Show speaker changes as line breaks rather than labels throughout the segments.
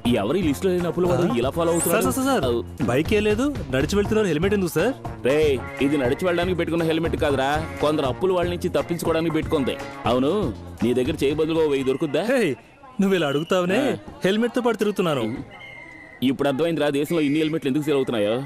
ఎవరి లిస్ట్ లో లేని అప్పులు వాడు ఇలా ఫాలో అవుతున్నాడు?
బైక్ ఏ లేదు, నడిచి వెళ్తున్నారు, హెల్మెట్ ఎందుకు సార్?
రే, ఇది నడిచి వెళ్ళడానికి పెట్టుకున్న హెల్మెట్ కాదురా, కొందరు అప్పులు వాళ్ళ నుంచి తప్పించుకోవడానికి పెట్టుకుంది. అవును, నీ దగ్గర చేయి బదులుగా 1000 దొరుకుద్దా?
నువ్వు ఇలా అడుగుతావనే హెల్మెట్ తో పాటు తిరుగుతున్నాను.
ఇప్పుడు అర్థమైందిరా దేశంలో ఇన్ని హెల్మెట్లు ఎందుకు సేల్ అవుతున్నాయో.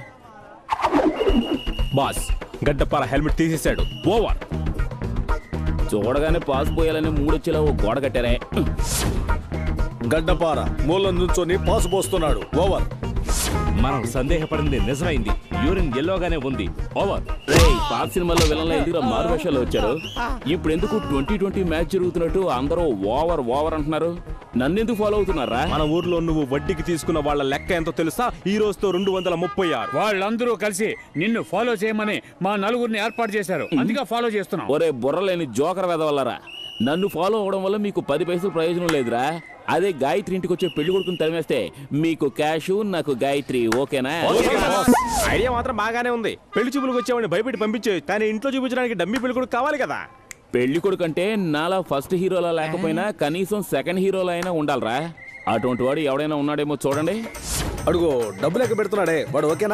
బాస్, గడ్డపార హెల్మెట్ తీసేశాడు. ఓవర్.
చూడగానే పాస్ పోయాలని మూడొచ్చేలా ఓ గోడ కట్టారే.
గడ్డపార మూలం నుంచొని పాసు పోస్తున్నాడు. ఓవర్.
మనం సందేహపడింది నిజమైంది. యూరిన్ ఎల్లోగానే ఉంది. ఓవర్.
పాత సినిమాలో విలన్ల ఎందుకు మారు వేషాలు వచ్చారు? ఇప్పుడు ఎందుకు 2020 మ్యాచ్ జరుగుతున్నట్టు అందరూ ఓవర్ ఓవర్ అంటున్నారు? నన్నెందుకు ఫాలో అవుతున్నారా?
మన ఊర్లో నువ్వు వడ్డీకి తీసుకున్న వాళ్ళ లెక్క ఎంతో తెలుసా? ఈ రోజుతో 236.
వాళ్ళందరూ కలిసి నిన్ను ఫాలో చేయమని మా నలుగురిని ఏర్పాటు చేశారు. అందుకే ఫాలో చేస్తున్నాం.
ఒరే బుర్రలేని జోకర్ వెదవల్లరా, నన్ను ఫాలో అవడం వల్ల మీకు 10 పైసలు ప్రయోజనం లేదురా. అదే గాయత్రి ఇంటికి వచ్చే పెళ్లి కొడుకుని తరిమేస్తే మీకు క్యాష్, నాకు గాయత్రి. ఓకేనా?
ఐడియా మాత్రం బాగానే ఉంది. పెళ్లి చూపులకు వచ్చేవాడిని భయపెట్టి పంపించే, కానీ ఇంట్లో చూపించడానికి డమ్మీ పెళ్లి కొడుకు కావాలి కదా.
పెళ్లి కొడుకు అంటే నాలా ఫస్ట్ హీరోలా లేకపోయినా కనీసం సెకండ్ హీరోలా అయినా ఉండాలరా. అటువంటి వాడు ఎవడైనా ఉన్నాడేమో చూడండి.
అడుగు, డబ్బు లెక్క పెడుతున్నాడే వాడు. ఓకేనా?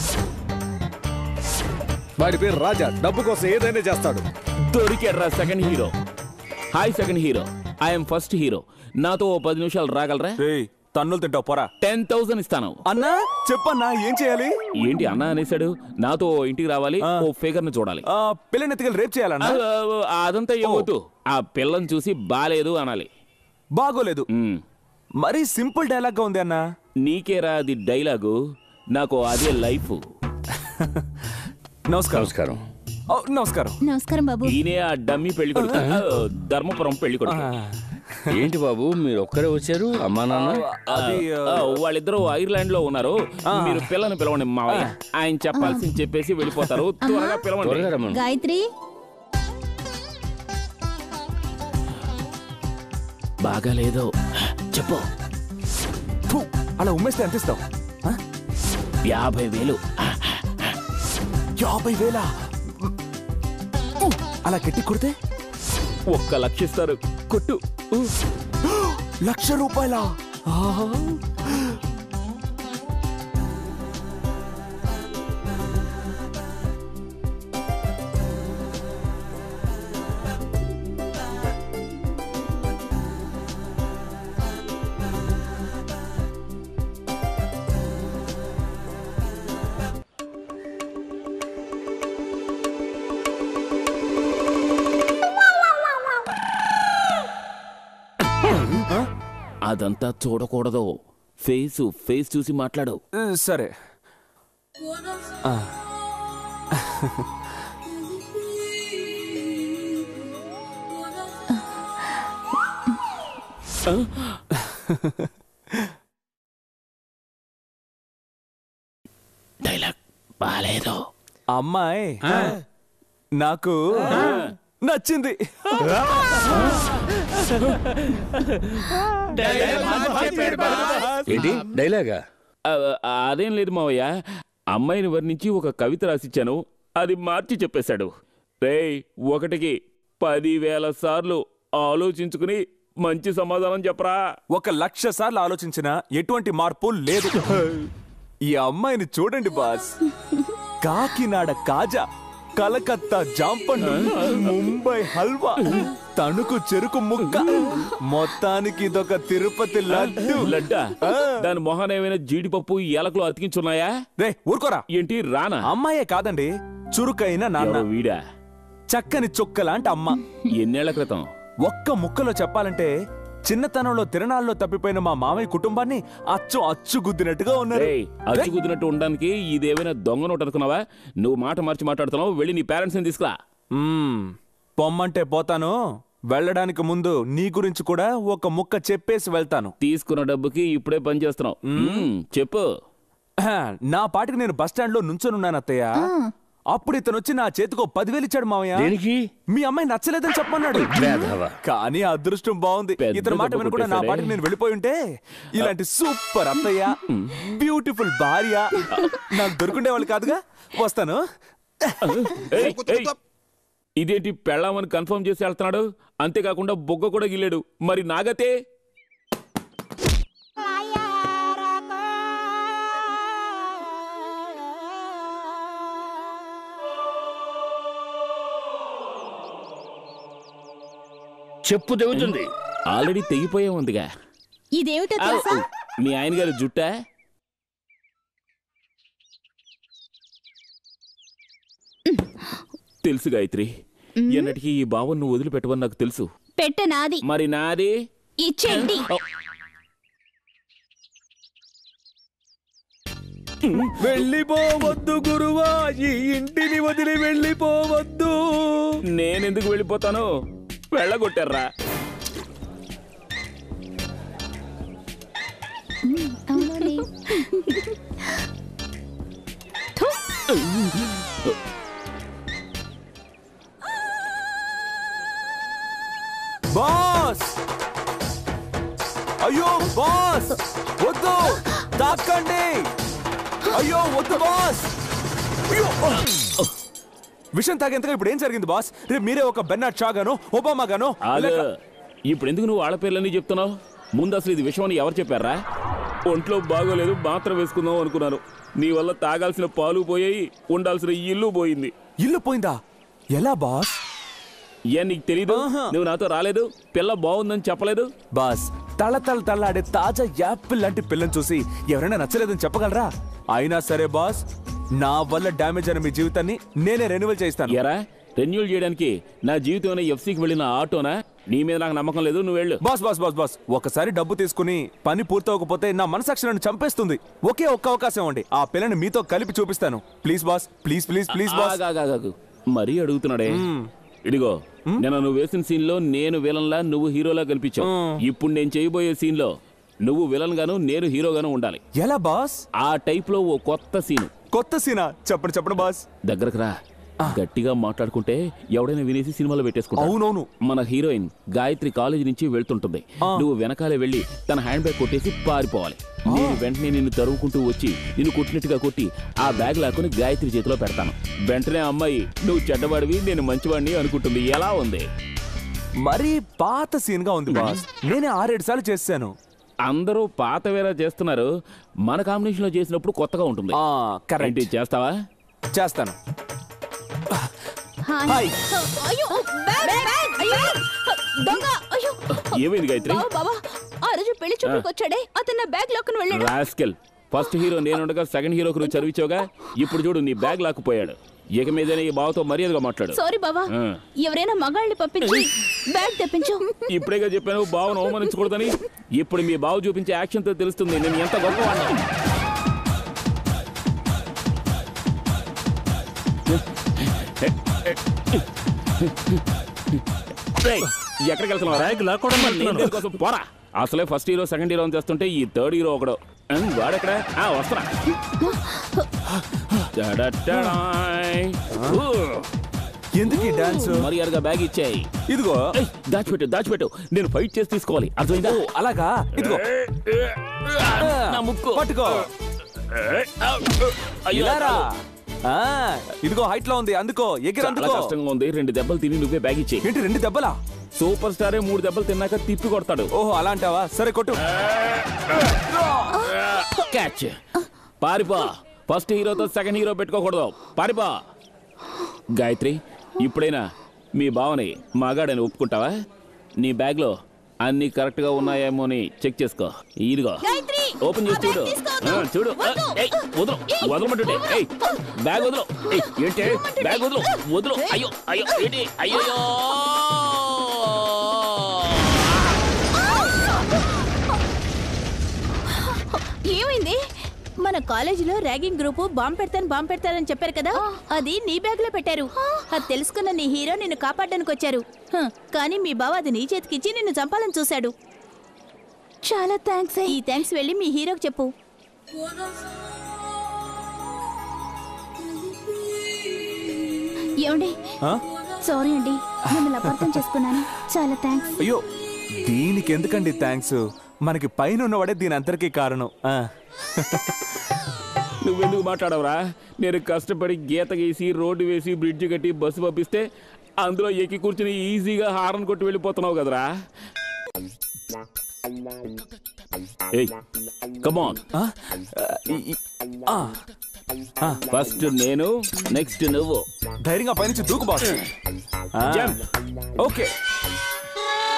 వాడి పేరు రాజా. డబ్బు కోసం ఏదైనా చేస్తాడు.
దొరికాడ్రా second hero. Hi second hero, I'm first hero. నాతో 10 నిమిషాలు రాగలరా?
తన్నులు తింటావు పోరా.
10,000 ఇస్తాను.
అన్నా చెప్పన్నా, ఏం చేయాలి?
ఏంటి అన్నా అనేసాడు? నాతో ఇంటికి రావాలి, ఓ ఫిగర్ ని చూడాలి.
పిల్లని ఎత్తుకెళ్ళి రేపు చేయాలన్నా?
అదంతా ఏమవుతూ, ఆ పిల్లని చూసి బాలేదు అనాలి.
బాగోలేదు మరి సింపుల్ డైలాగ్ గా ఉంది అన్నా.
నీకేరా అది డైలాగు, నాకు అదే లైఫ్.
నమస్కారం. నమస్కారం.
నమస్కారం బాబు.
ఈయనే ఆ డమ్మీ పెళ్లి కొడుకు, ధర్మపురం పెళ్లి కొడుకు.
ఏంటి బాబు మీరు ఒక్కరే వచ్చారు? అమ్మా నాన్న?
వాళ్ళిద్దరూ ఐర్లాండ్ లో ఉన్నారు. మీరు పిల్లని పిలవండి మావయ్య. ఆయన చెప్పాల్సింది చెప్పేసి వెళ్ళిపోతారు. త్వరగా పిలవండి.
గాయత్రి
బాగాలేదు చెప్పు.
అలా ఉమ్మేస్తే ఎంత ఇస్తావు?
50,000.
50,000? అలా గట్టి కొడితే
1,00,000 ఇస్తారు. కొట్టు.
1,00,000 రూపాయల?
అదంతా చూడకూడదు. ఫేస్ చూసి మాట్లాడు.
సరే.
డైలాగ్ బాలేదు.
అమ్మాయి నాకు నచ్చింది.
ఏంటి డైలాగా?
అదేం లేదు మావయ్య, అమ్మాయిని వర్ణించి ఒక కవిత రాసిచ్చాను, అది మార్చి చెప్పేశాడు. రేయ్, ఒకటికి 10,000 సార్లు ఆలోచించుకుని మంచి సమాధానం చెప్పరా.
1,00,000 సార్లు ఆలోచించినా ఎటువంటి మార్పు లేదు. ఈ అమ్మాయిని చూడండి బాస్. కాకినాడ కాజా, కలకత్తా జాంపండు, ముంబై హల్వా, తణుకు చెరుకు ముక్క, మొత్తానికి ఇదొక తిరుపతి లడ్డు.
లడ్డా? దాని మొహన ఏమైనా జీడిపప్పు ఏలకులు అతికించున్నాయా?
రే ఊరుకోరా.
ఏంటి రానా?
అమ్మాయే కాదండి, చురుకైన నాన్న.
వీడా?
చక్కని చుక్కలాంటి అమ్మ.
ఎన్నేళ్ల క్రితం?
ఒక్క ముక్కలో చెప్పాలంటే చిన్నతనంలో తిరణాల్లో తప్పిపోయిన మా మామయ్య కుటుంబాన్ని అచ్చు గుద్దినట్టుగా ఉన్నారు.
అచ్చు గుద్దినట్టు ఉండడానికి ఇదేమైనా దొంగ నోటు అనుకున్నావా? నువ్వు మాట మార్చి మాట్లాడుతున్నావు. వెళ్ళి నీ పేరెంట్స్ ని తీసుకురా.
పొమ్మంటే పోతాను, వెళ్ళడానికి ముందు నీ గురించి కూడా ఒక ముక్క చెప్పేసి వెళ్తాను.
తీసుకున్న డబ్బుకి ఇప్పుడే పని చేస్తున్నావు. చెప్పు.
నా పాటికి నేను బస్టాండ్ లో నుంచొనున్నాను అత్తయ్య. అప్పుడు ఇతను వచ్చి నా చేతికో 10,000 ఇచ్చాడు మామయ్య.
దేనికి?
మీ అమ్మాయి నచ్చలేదని చెప్పమన్నాడు. కానీ అదృష్టం బాగుంది, ఇతని మాట వినకుండా నా పాటికి నేను వెళ్ళిపోయి ఉంటే ఇలాంటి సూపర్ అత్తయ్య, బ్యూటిఫుల్ భార్య నాకు దొరుకుండేవాళ్ళు కాదుగా. వస్తాను.
ఇదేంటి పెళ్ళామని కన్ఫర్మ్ చేసి వెళ్తున్నాడు? అంతేకాకుండా బొగ్గ కూడా గిల్లాడు. మరి నాగతే?
చెప్పు తెగుతుంది.
ఆల్రెడీ తెగిపోయే ఉందిగా.
ఇదేమిటో తెలుసా?
మీ ఆయన గారి జుట్టా? తెలుసు గాయత్రి, ఎన్నటికీ ఈ భావం నువ్వు వదిలిపెట్టవని నాకు తెలుసు.
పెట్ట నాది.
మరి నాది
ఇచ్చేయండి.
వెళ్ళిపోవద్దు గురువా, ఈ ఇంటిని వదిలి వెళ్ళిపోవద్దు.
నేనెందుకు వెళ్ళిపోతాను? వెళ్ళగొట్టారా?
అవునండి.
బాస్! అయ్యో బాస్, వద్దు, తాకండి. అయ్యో వద్దు బాస్. అయ్యో విషయం తాగేంతగా ఇప్పుడు ఏం జరిగింది బాస్? రేపు మీరే ఒక బెర్నార్డ్ షా గాను ఒబామా గాను.
ఇప్పుడు ఎందుకు నువ్వు వాళ్ళ పేర్లన్నీ చెప్తున్నావు? ముందు అసలు ఇది విషయం అని ఎవరు చెప్పారా? ఒంట్లో బాగోలేదు, మాత్రం వేసుకుందాం అనుకున్నాను. నీ వల్ల తాగాల్సిన పాలు పోయాయి, ఉండాల్సిన ఇల్లు పోయింది.
ఇల్లు పోయిందా? ఎలా బాస్?
ఏ నీకు తెలీదు? నువ్వు నాతో రాలేదు, పిల్ల బాగుందని చెప్పలేదు.
బాస్, తళ్ళాడే తాజా యాపిల్ లాంటి పిల్లని చూసి ఎవరైనా నచ్చలేదని చెప్పగలరా? అయినా సరే బాస్, నా వల్ల డ్యామేజ్ అయిన మీ జీవితాన్ని నేనే రెన్యువల్ చేస్తాను.
ఎరా, రెన్యూల్ చేయడానికి నా జీవితం ఎఫ్సీకి వెళ్ళిన ఆటోనా? నీ మీద నాకు నమ్మకం లేదు, నువ్వు వెళ్ళు.
బాస్ బాస్ బాస్ బాస్, ఒకసారి డబ్బు తీసుకుని పని పూర్తవకపోతే నా మనసాక్షి నన్ను చంపేస్తుంది. ఒకే ఒక్క అవకాశం ఇవ్వండి, ఆ పిల్లని మీతో కలిపి చూపిస్తాను. Please boss, please please please boss.
మరీ అడుగుతున్నాడే. ఇదిగో, నేను నువ్వు వేసిన సీన్ లో నేను విలన్లా, నువ్వు హీరోలా కనిపించావు. ఇప్పుడు నేను చేయబోయే సీన్ లో నువ్వు విలన్ గాను, నేను హీరోగాను ఉండాలి.
ఎలా బాస్?
ఆ టైప్ లో ఓ కొత్త సీన్.
కొత్త సీనా? చెప్పండి చెప్పండి బాస్.
దగ్గరకు రా. గట్టిగా మాట్లాడుకుంటే ఎవడైనా వినేసి సినిమాలో పెట్టేసుకుంటా.
అవునవును.
మన హీరోయిన్ గాయత్రి కాలేజీ నుంచి వెళ్తుంటుంది. నువ్వు వెనకాలే వెళ్ళి తన హ్యాండ్ బ్యాగ్ కొట్టేసి పారిపోవాలి. నేను వెంటనే నిన్ను తరువుకుంటూ వచ్చి నిన్ను కొట్టినట్టుగా కొట్టి ఆ బ్యాగ్ లాక్కుని గాయత్రి చేతిలో పెడతాను. వెంటనే అమ్మాయి నువ్వు చెడ్డవాడివి, నేను మంచివాడిని అనుకుంటుంది. ఎలా ఉంది?
మరీ పాత సీన్ గా ఉంది బాస్. నేనే 6-7 సార్లు చేశాను.
అందరూ పాత వేరే చేస్తున్నారు, మన కాంబినేషన్ లో చేసినప్పుడు కొత్తగా ఉంటుంది.
కరెక్ట్.
చేస్తావా?
చేస్తాను.
హాయ్. అయ్యో, బ్యాగ్ బ్యాగ్. అయ్యో దొంగ. అయ్యో
ఏమైంది గాయత్రి?
బాబా, ఆ రోజు పెళ్లి చూపులకు వచ్చాడే, అతను నా బ్యాగ్ లాక్కుని వెళ్ళాడు.
రాస్కెల్, ఫస్ట్ హీరో నేనుండగా సెకండ్ హీరోకి నువ్వు చదివించావుగా. ఇప్పుడు చూడు, నీ బ్యాగ్ లాక్కుపోయాడు. ఇక మీదనే ఈ బావతో మర్యాదగా మాట్లాడు.
సారీ బాబా, ఎవరైనా మగాళ్ళని పంపించి బ్యాగ్ తెప్పించు.
ఇప్పుడేగా చెప్పాను బావను అవమానించకూడదని. ఇప్పుడు మీ బావ చూపించే యాక్షన్ తో తెలుస్తుంది నేను ఎంత గొప్పవాడిని. ఎక్కడికి వెళ్తున్నావు? కోసం పోరా. అసలే ఫస్ట్ హీరో సెకండ్ హీరో అని తెస్తుంటే ఈ థర్డ్ హీరో ఒకడు. వాడెక్కడ? వస్తున్నా.
ఎందుకు డాన్స్?
మర్యాదగా బ్యాగ్ ఇచ్చాయి.
ఇదిగో.
దాచిపెట్టు దాచిపెట్టు, నేను ఫైట్ చేసి తీసుకోవాలి. అర్థమైందా?
అలాగా? ఇదిగో
నా ముక్కు
పట్టుకో. ఇలారా? ఇదిగో హైట్ లో ఉంది, అందుకో. ఎగిరి అందుకో.
కష్టంగా ఉంది. 2 దెబ్బలు తిని నువ్వే బ్యాగ్ ఇచ్చేయి.
ఏంటి 2 దెబ్బలా?
సూపర్ స్టారే 3 దెబ్బలు తిన్నాక తిప్పి కొడతాడు.
ఓహో అలా అంటావా? సరే కొట్టు.
క్యాచ్. పారిపో. ఫస్ట్ హీరోతో సెకండ్ హీరో పెట్టుకోకూడదు. పారిపో. గాయత్రి, ఇప్పుడైనా మీ బావని మగాడని ఒప్పుకుంటావా? నీ బ్యాగ్ లో అన్ని కరెక్ట్ గా ఉన్నాయేమో అని చెక్ చేసుకో. ఇదిగో ఓపెన్ చేసి చూడు. చూడు. వదలు, వదలమంటుంటే. బ్యాగ్ వదలు. ఏంటి బ్యాగ్ వదలు, వదలు. అయ్యో అయ్యో, ఏంటి? అయ్యో.
ఏమైంది? మన కాలేజీలో ర్యాగింగ్ గ్రూప్ బాంబు పెడతానని చెప్పారు కదా, అది నీ బ్యాగ్ లో పెట్టారు. అది తెలుసుకున్న నీ హీరో నిన్ను కాపాడడానికి వచ్చారు. కానీ మీ బావ అది నీ చేతికిచ్చి నిన్ను చంపాలని చూశాడు. చాలా థ్యాంక్స్. ఈ థ్యాంక్స్ వెళ్ళి మీ హీరోకి చెప్పు. ఏమండి? సారీ అండి, మిమ్మల్ని అపార్థం చేసుకున్నాను. చాలా థ్యాంక్స్.
అయ్యో, దీనికి ఎందుకండి థ్యాంక్స్? మనకి పైన ఉన్నవాడే దీని అంతరికీ కారణం.
నువ్వెందుకు మాట్లాడవరా? నేను కష్టపడి గీత గీసి రోడ్డు వేసి బ్రిడ్జ్ కట్టి బస్సు పంపిస్తే అందులో ఎక్కి కూర్చుని ఈజీగా హారన్ కొట్టి వెళ్ళిపోతున్నావు కదరా. కమాన్. ఫస్ట్ నేను, నెక్స్ట్ నువ్వు.
ధైర్యంగా పైనుంచి దూకు బాస్. ఓకే.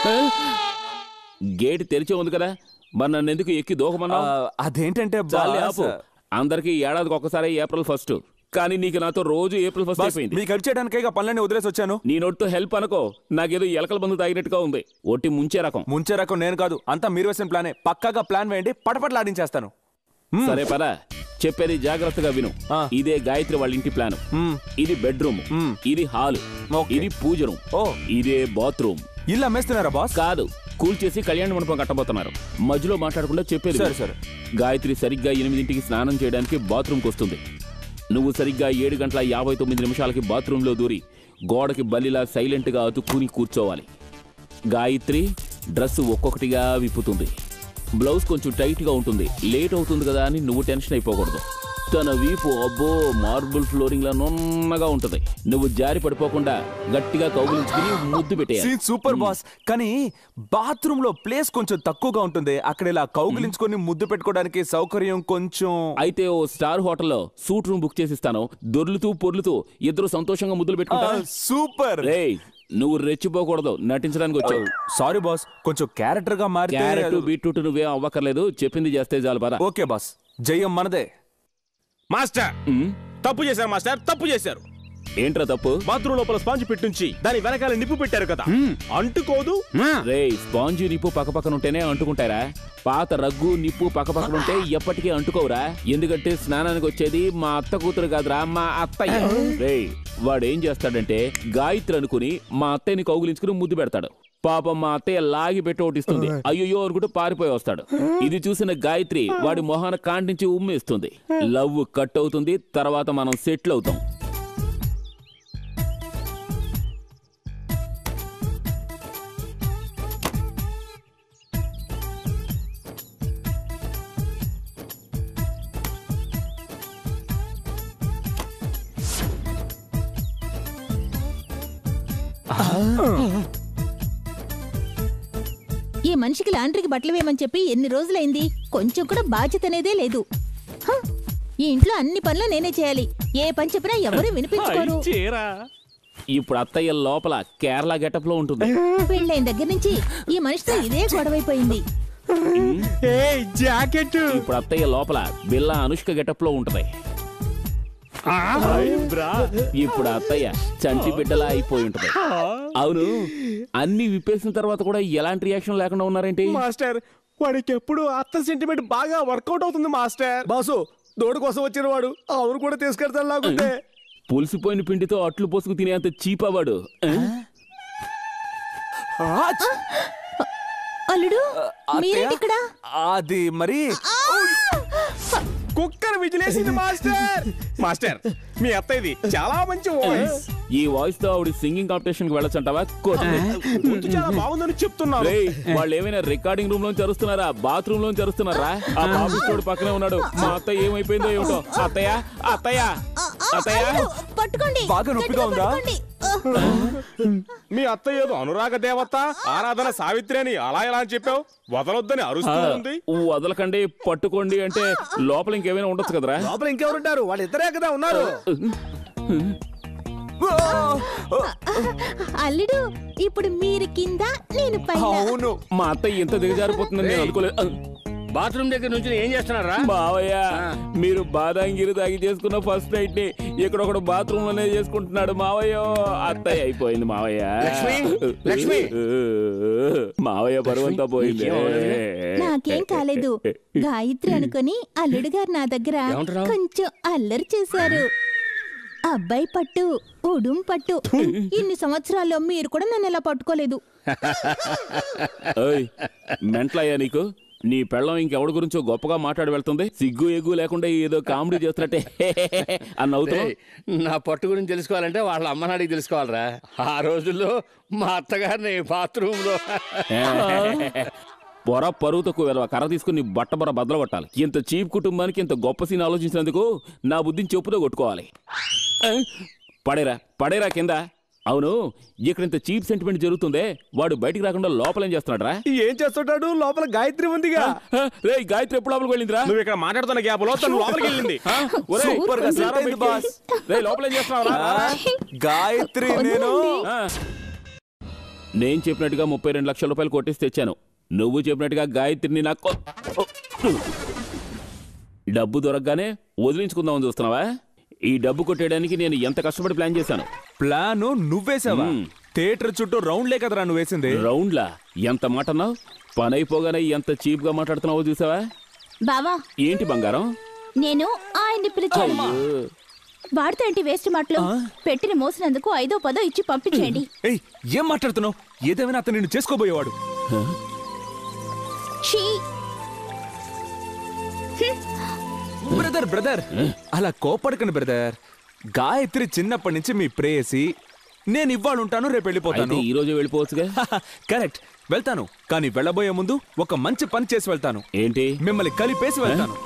గేట్ తెరిచే ఉంది కదా, మరి నన్ను ఎందుకు ఎక్కి దూకమన్నా?
అదేంటంటే
చాలే ఆపు. అందరికి ఏడాదికి ఒక్కసారి ఏప్రిల్ 1, కానీ నీకు నాతో రోజు ఏప్రిల్ 1 అయిపోయింది.
మీకు హెల్ప్ చేయడానికే పనులన్నీ వదిలేసి వచ్చాను.
నీ నోటితో హెల్ప్ అనుకో, నాకేదో ఎలకల మందు తాగినట్టుగా ఉంది. ఒట్టి ముంచే రకం.
ముంచే రకం నేను కాదు, అంతా మీరు వేసిన ప్లానే. పక్కాగా ప్లాన్ వేయండి, పటపటలాడించేస్తాను.
సరే పదా, చెప్పేది జాగ్రత్తగా విను. ఇదే గాయత్రి వాళ్ళ ఇంటి ప్లాన్. ఇది బెడ్రూమ్, ఇది హాల్, ఇది పూజ రూమ్, ఇదే బాత్రూమ్.
ఇల్లు అమ్మేస్తున్నారా బాస్?
కాదు, కూల్ చేసి కళ్యాణ మండపం కట్టబోతున్నారు. మధ్యలో మాట్లాడకుండా చెప్పేది.
సరే.
గాయత్రి సరిగ్గా 8ంటికి స్నానం చేయడానికి బాత్రూమ్కి వస్తుంది. నువ్వు సరిగ్గా 7:59 బాత్రూంలో దూరి గోడకి బల్లిలా సైలెంట్గా అతుక్కుని కూర్చోవాలి. గాయత్రి డ్రెస్ ఒక్కొక్కటిగా విప్పుతుంది. బ్లౌజ్ కొంచెం టైట్గా ఉంటుంది. లేట్ అవుతుంది కదా అని నువ్వు టెన్షన్ అయిపోకూడదు. తన వీపు అబ్బో మార్బుల్ ఫ్లోరింగ్ లా నున్నగా ఉంటది. నువ్వు జారి పడిపోకుండా గట్టిగా కౌగిలించుకుని ముద్దు పెట్టేయాలి.
Super boss. కానీ బాత్రూమ్ లో ప్లేస్ కొంచెం తక్కువగా ఉంటుంది. అక్కడ ఇలా కౌగిలించుకొని ముద్దు పెట్టుకోవడానికి సౌకర్యం కొంచెం.
అయితే ఓ స్టార్ హోటల్లో సూట్ రూమ్ బుక్ చేసిస్తాను. దొర్లుతూ పొర్లుతూ ఇద్దరు సంతోషంగా ముద్దులు పెట్టుకుంటారు.
సూపర్.
రేయ్, నువ్వు రెచ్చిపోకూడదు, నటించడానికి వచ్చావు.
సారీ బాస్, కొంచెం క్యారెక్టర్ గా మారితే.
క్యారెట్ బీట్రూట్ నువ్వేం అవ్వక్కర్లేదు, చెప్పింది చేస్తే చాలు పద.
ఓకే బాస్, జయం మనదే.
మాస్టర్ తప్పు చేశారు మాస్టర్, తప్పు చేశారు.
ఏంట్రా తప్పు?
బాత్రూమ్ లోపల స్పాంజ్ పెట్టుంచి దాని వెనకాల నిప్పు పెట్టారు కదా, అంటుకోదు.
రేయ్, స్పాంజ్ నిప్పు పక్కపక్కన ఉంటేనే అంటుకుంటారా? పాత రగ్గు నిప్పు పక్కపక్కన ఉంటే ఎప్పటికీ అంటుకోవురా? ఎందుకంటే స్నానానికి వచ్చేది మా అత్త కూతురు కాదురా, మా అత్తయ్య. రేయ్, వాడేం చేస్తాడంటే గాయత్రి అనుకుని మా అత్తయ్యని కౌగులించుకుని ముద్దు పెడతాడు. పాపం మా అత్తయ్య లాగి పెట్టి ఓటిస్తుంది. అయ్యో అనుకుంటూ పారిపోయి వస్తాడు. ఇది చూసిన గాయత్రి వాడి మొహాన కాంటించి ఉమ్మేస్తుంది. లవ్ కట్ అవుతుంది. తర్వాత మనం సెటిల్ అవుతాం.
ఈ మనిషికి లాండ్రీకి బట్టలు వేయమని చెప్పి ఎన్ని రోజులైంది? కొంచెం కూడా బాధ్యత అనేదే లేదు. ఈ ఇంట్లో అన్ని పనులు నేనే చేయాలి. ఏ పని చెప్పినా ఎవరు వినిపించుకోరు.
ఇప్పుడు అత్తయ్య లోపల కేరళ గెటప్ లో ఉంటుంది.
పెళ్ళైన దగ్గర నుంచి ఈ మనిషితో ఇదే గొడవైపోయింది.
జాకెట్.
ఇప్పుడు అత్తయ్య లోపల బిల్లా అనుష్క గెటప్ లో ఉంటది. ఇప్పుడు అత్తయ్య చంటి బిడ్డలా అయిపోయి ఉంటది. అవును, అన్ని విప్పేసిన తర్వాత కూడా ఎలాంటి రియాక్షన్ లేకుండా ఉన్నారేంటి?
మాస్టర్, వాడికి ఎప్పుడు అత్త సెంటిమెంట్ బాగా వర్కౌట్ అవుతుంది మాస్టర్. బాసు, దోడు కోసం వచ్చిన వాడు అవును కూడా తీసుకెళ్తాను లాగుంటే.
పులిసిపోయిన పిండితో అట్లు పోసుకు తినేంత చీపవాడు.
అల్లుడు, మీరేంటి ఇక్కడ?
అది మరి
కుక్కర్ విజిలేసింది మాస్టర్. మాస్టర్, మీ అత్త ఇది చాలా మంచి వాయిస్.
ఈ వాయిస్ తో ఆవిడ సింగింగ్ కాంపిటీషన్ కి వెళ్ళొచ్చంటావా?
ముందు చాలా బాగుందని చెప్తున్నారు.
వాళ్ళు ఏమైనా రికార్డింగ్ రూమ్ లో జరుస్తున్నారా, బాత్రూమ్ లో జరుస్తున్నారా? ఆ బాబు చోడు పక్కనే ఉన్నాడు. మా అత్తయ్య ఏమైపోయిందో ఏమిటో. అత్తయ్య, అత్తయ్య, అత్తయ్య,
పట్టుకోండి.
బాగా నొప్పిగా ఉందా?
మీ అత్త ఏదో అనురాగ దేవత, ఆరాధన సావిత్రి అని అలా ఎలా అని చెప్పావు? వదలొద్దని అరుస్తుంది.
వదలకండి, పట్టుకోండి అంటే లోపల ఇంకేమైనా ఉండొచ్చు కదరా?
లోపల ఇంకెవరుంటారు? వాళ్ళు ఇద్దరే కదా ఉన్నారు.
అల్లుడు, ఇప్పుడు మీరు కింద, నేను పైన.
అవును,
మా అత్తయ్య ఎంత దిగజారిపోతుందని నేను అనుకోలేదు.
బాత్రూమ్ దగ్గర నుంచి ఏం చేస్తున్నారా?
మావయ్య, మీరు బాదాంగిరి తాగి చేసుకున్న ఫస్ట్ నైట్ ని ఇక్కడ ఒకడు బాత్రూమ్ లోనే చేసుకుంటున్నాడు మావయ్య. అత్తయ్య అయిపోయింది మావయ్య.
లక్ష్మి,
మావయ్య బరువంతా పోయింది.
నాకేం కాలేదు. గాయత్రి అనుకుని అల్లుడు గారు నా దగ్గర కొంచెం అల్లరి చేశారు. అబ్బాయి పట్టు, ఉడుం పట్టు. ఇన్ని సంవత్సరాల్లో మీరు కూడా నన్ను ఎలా పట్టుకోలేదు.
మెంట్లయ్యా నీకు? నీ పెళ్ళం ఇంకెవడి గురించో గొప్పగా మాట్లాడి వెళ్తుంది. సిగ్గు ఎగ్గు లేకుండా ఏదో కామెడీ చేస్తున్నట్టే అని అవుతావు.
నా పట్టు గురించి తెలుసుకోవాలంటే వాళ్ళ అమ్మ నాడికి తెలుసుకోవాలరా. ఆ రోజుల్లో మా అత్తగారిని బాత్రూమ్ లో
పొర పరువు తక్కువ కర్ర తీసుకుని బట్ట బొర బద్దలు కొట్టాలి. ఇంత చీప్ కుటుంబానికి ఇంత గొప్ప సీన్ ఆలోచించినందుకు నా బుద్ధిని చెప్పుతో కొట్టుకోవాలి. పడేరా పడేరా కింద. అవును, ఇక్కడ ఇంత చీప్ సెంటిమెంట్ జరుగుతుందే, వాడు బయటికి రాకుండా లోపల ఏం చేస్తున్నాడు రా?
ఏం చేస్తుంటాడు? లోపల గాయత్రి ఉందిగా.
రే, గాయత్రి ఎప్పుడు లోపలికి వెళ్ళిందిరా?
నువ్వు ఇక్కడ మాట్లాడుతున్న గ్యాప్ లో తను లోపలికి వెళ్ళింది.
లోపల ఏం చేస్తున్నావు?
గాయత్రి, నేను
నేను చెప్పినట్టుగా 32 లక్షల రూపాయలు కొట్టేసి తెచ్చాను. నువ్వు చెప్పినట్టుగా గాయత్రిని నాకు డబ్బు దొరకగానే వదిలించుకుందామని చూస్తున్నావా? ఈ డబ్బు కొట్టేయడానికి నేను ఎంత కష్టపడి ప్లాన్ చేశాను.
ప్లాను నువ్వేసావా? థియేటర్ చుట్టూ రౌండ్లే కదరా నువ్వు వేసింది.
రౌండ్లా? ఎంత మాట అన్నావు? పని అయిపోగానే ఎంత చీప్ గా మాట్లాడుతున్నావో చూసావా?
బావా
ఏంటి బంగారం?
నేను ఆయన్ని పిలిచాను. వాడితో ఏంటి వేస్ట్ మాటలు? పెట్టిన మోసినందుకు 5దో 10దో ఇచ్చి పంపించేయండి.
ఏయ్, ఏం మాట్లాడుతున్నావు? ఏదేమైనా అతను నిన్ను చేసుకోబోయేవాడు.
ఛీ!
బ్రదర్ అలా కోపడకండి బ్రదర్. గాయత్రి చిన్నప్పటి నుంచి మీ ప్రేయసి. నేను ఇవాళ ఉంటాను, రేపు వెళ్ళిపోతాను.
ఈ రోజు వెళ్ళిపోవచ్చుగా.
కరెక్ట్, వెళ్తాను. కానీ వెళ్ళబోయే ముందు ఒక మంచి పని చేసి వెళ్తాను.
ఏంటి?
మిమ్మల్ని కలిపేసి వెళ్తాను.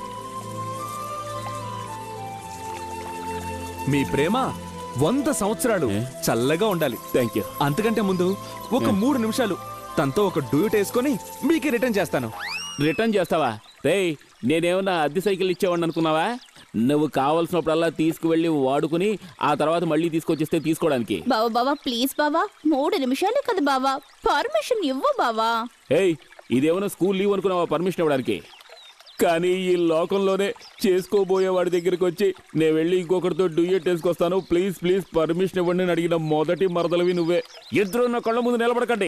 మీ ప్రేమ 100 సంవత్సరాలు చల్లగా ఉండాలి.
Thank you.
అంతకంటే ముందు ఒక 3 నిమిషాలు తనతో ఒక డ్యూట్ వేసుకొని మీకు రిటర్న్ చేస్తాను.
రిటర్న్ చేస్తావా? రేయ్, నేనేమన్నా అద్దె సైకిల్ ఇచ్చేవాడిని అనుకున్నావా? నువ్వు కావలసినప్పుడల్లా తీసుకువెళ్ళి వాడుకుని ఆ తర్వాత మళ్ళీ తీసుకొచ్చిస్తే తీసుకోవడానికి.
బావా ప్లీజ్ బావా, 3 నిమిషాలే కదా బావా, పర్మిషన్ ఇవ్వు బావా.
ఏయ్, ఇదేమన్నా స్కూల్ లీవ్ అనుకున్నావా పర్మిషన్ ఇవ్వడానికి? కానీ ఈ లోకంలోనే చేసుకోబోయే వాడి దగ్గరికి వచ్చి నేను వెళ్ళి ఇంకొకరితో డ్యూయట్ వేసుకొస్తాను, ప్లీజ్ పర్మిషన్ ఇవ్వండి అని అడిగిన మొదటి మరదలవి నువ్వే. ఇద్దరు నా కళ్ళ ముందు నిలబడకండి.